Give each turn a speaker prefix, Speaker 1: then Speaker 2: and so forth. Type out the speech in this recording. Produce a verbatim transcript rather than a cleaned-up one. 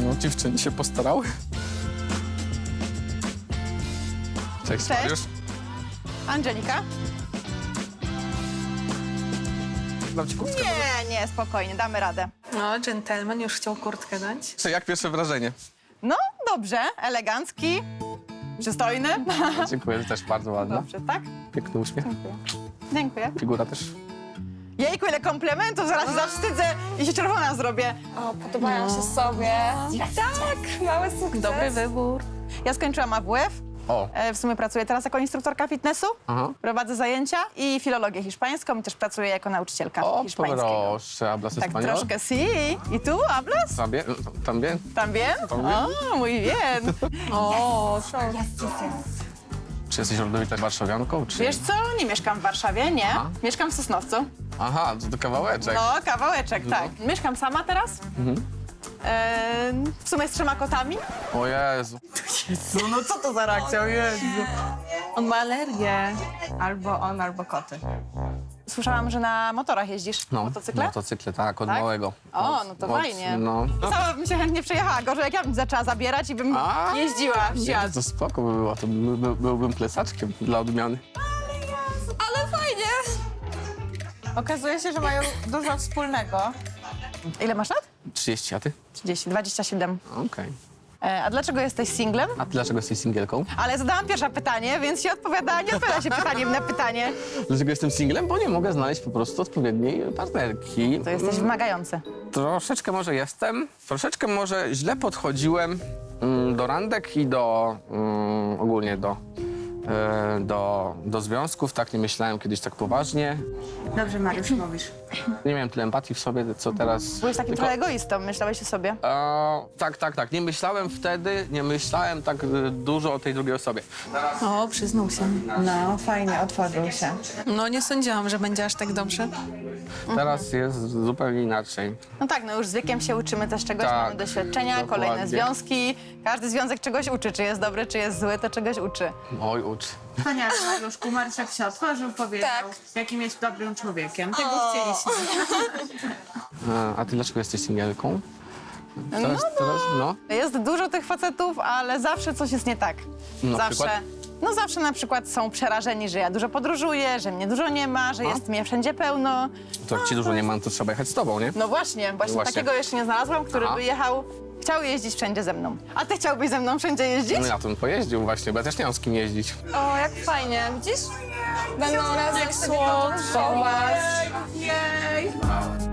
Speaker 1: No, dziewczyny się postarały. Cześć,
Speaker 2: Cześć.
Speaker 1: Mariusz.
Speaker 2: Angelika?
Speaker 1: Dam ci kurtkę.
Speaker 2: Nie, nie, spokojnie, damy radę.
Speaker 3: No, dżentelmen już chciał kurtkę dać.
Speaker 1: Co, jak pierwsze wrażenie?
Speaker 2: No, dobrze, elegancki, przystojny.
Speaker 1: Dziękuję, też bardzo ładna.
Speaker 2: Dobrze, tak?
Speaker 1: Piękny uśmiech.
Speaker 2: Dziękuję.
Speaker 1: Figura też.
Speaker 2: Jejku, ile komplementów, zaraz się zawstydzę i się czerwona zrobię.
Speaker 4: O, podobają się sobie. Tak, mały sukces.
Speaker 3: Dobry wybór.
Speaker 2: Ja skończyłam A W F.
Speaker 1: O,
Speaker 2: E, W sumie pracuję teraz jako instruktorka fitnessu.
Speaker 1: aha.
Speaker 2: Prowadzę zajęcia i filologię hiszpańską i też pracuję jako nauczycielka
Speaker 1: O,
Speaker 2: hiszpańskiego.
Speaker 1: proszę, hablas
Speaker 2: Tak
Speaker 1: español?
Speaker 2: troszkę, si. I tu, hablas?
Speaker 1: También, también.
Speaker 2: También?
Speaker 1: También.
Speaker 2: O, muy bien.
Speaker 3: O,
Speaker 1: Czy jesteś rodowitą warszawianką, czy...
Speaker 2: Wiesz co, nie mieszkam w Warszawie, nie.
Speaker 1: Aha.
Speaker 2: Mieszkam w Sosnowcu.
Speaker 1: Aha, to, to kawałeczek.
Speaker 2: No, kawałeczek,
Speaker 1: No.
Speaker 2: tak. Mieszkam sama teraz.
Speaker 1: Mhm.
Speaker 2: E, w sumie z trzema kotami.
Speaker 1: O Jezu.
Speaker 2: No, no co to za reakcja, o Jezu.
Speaker 3: on ma alergię.
Speaker 4: Albo on, albo koty.
Speaker 2: Słyszałam, że na motorach jeździsz.
Speaker 1: No,
Speaker 2: Motocykle?
Speaker 1: Motocykle, tak, od
Speaker 2: Tak?
Speaker 1: małego.
Speaker 2: O, no to
Speaker 1: Od-
Speaker 2: fajnie.
Speaker 1: No.
Speaker 2: Sama bym się chętnie przejechała. Gorzej jak ja bym zaczęła zabierać i bym
Speaker 1: A,
Speaker 2: jeździła w
Speaker 1: Nie,
Speaker 2: świat.
Speaker 1: to spoko by było, to by, by, byłbym plecaczkiem dla odmiany.
Speaker 4: Ale fajnie. Okazuje się, że mają dużo wspólnego.
Speaker 2: Ile masz lat?
Speaker 1: trzydzieści, a ty?
Speaker 2: trzydzieści, dwadzieścia siedem.
Speaker 1: Okej.
Speaker 2: E, a dlaczego jesteś singlem?
Speaker 1: A ty dlaczego jesteś singielką?
Speaker 2: Ale zadałam pierwsze pytanie, więc się odpowiada, nie odpowiada się pytaniem na pytanie.
Speaker 1: Dlaczego jestem singlem? Bo nie mogę znaleźć po prostu odpowiedniej partnerki.
Speaker 2: To jesteś wymagający.
Speaker 1: Troszeczkę może jestem, troszeczkę może źle podchodziłem mm, do randek i do mm, ogólnie do, e, do, do związków. Tak nie myślałem kiedyś tak poważnie.
Speaker 4: Dobrze, Mariusz, mówisz.
Speaker 1: Nie miałem tyle empatii w sobie, co teraz.
Speaker 2: Byłeś takim
Speaker 1: Tylko-
Speaker 2: trochę egoistą, myślałeś o sobie.
Speaker 1: E, tak, tak, tak. Nie myślałem wtedy, nie myślałem tak e, dużo o tej drugiej osobie.
Speaker 3: O, przyznał się.
Speaker 4: No, fajnie, otworzył się.
Speaker 3: No, nie sądziłam, że będzie aż tak dobrze.
Speaker 1: Teraz jest zupełnie inaczej.
Speaker 2: No tak, no już z wiekiem się uczymy też czegoś,
Speaker 1: Tak,
Speaker 2: mamy doświadczenia,
Speaker 1: dokładnie.
Speaker 2: kolejne związki. Każdy związek czegoś uczy, czy jest dobry, czy jest zły, to czegoś uczy.
Speaker 1: Oj, ucz.
Speaker 4: Wspaniale, Mariuszku. Marszak się otworzył, powiedział,
Speaker 2: Tak.
Speaker 4: jakim jest dobrym człowiekiem. Tego chcieliśmy.
Speaker 1: E, a ty dlaczego jesteś singielką? Teraz,
Speaker 2: No,
Speaker 1: teraz, no.
Speaker 2: Jest dużo tych facetów, ale zawsze coś jest nie tak.
Speaker 1: Na
Speaker 2: zawsze.
Speaker 1: przykład?
Speaker 2: No zawsze na przykład są przerażeni, że ja dużo podróżuję, że mnie dużo nie ma, że jest mnie wszędzie pełno.
Speaker 1: To jak ci dużo nie mam, to trzeba jechać z tobą, nie?
Speaker 2: No właśnie, właśnie,
Speaker 1: Właśnie.
Speaker 2: takiego jeszcze nie znalazłam, który
Speaker 1: Aha.
Speaker 2: by jechał, chciał jeździć wszędzie ze mną. A ty chciałbyś ze mną wszędzie jeździć?
Speaker 1: No ja tym pojeździł właśnie, bo ja też nie mam z kim jeździć.
Speaker 4: O, jak fajnie, widzisz? Będą razem sobie podróżować. Jej!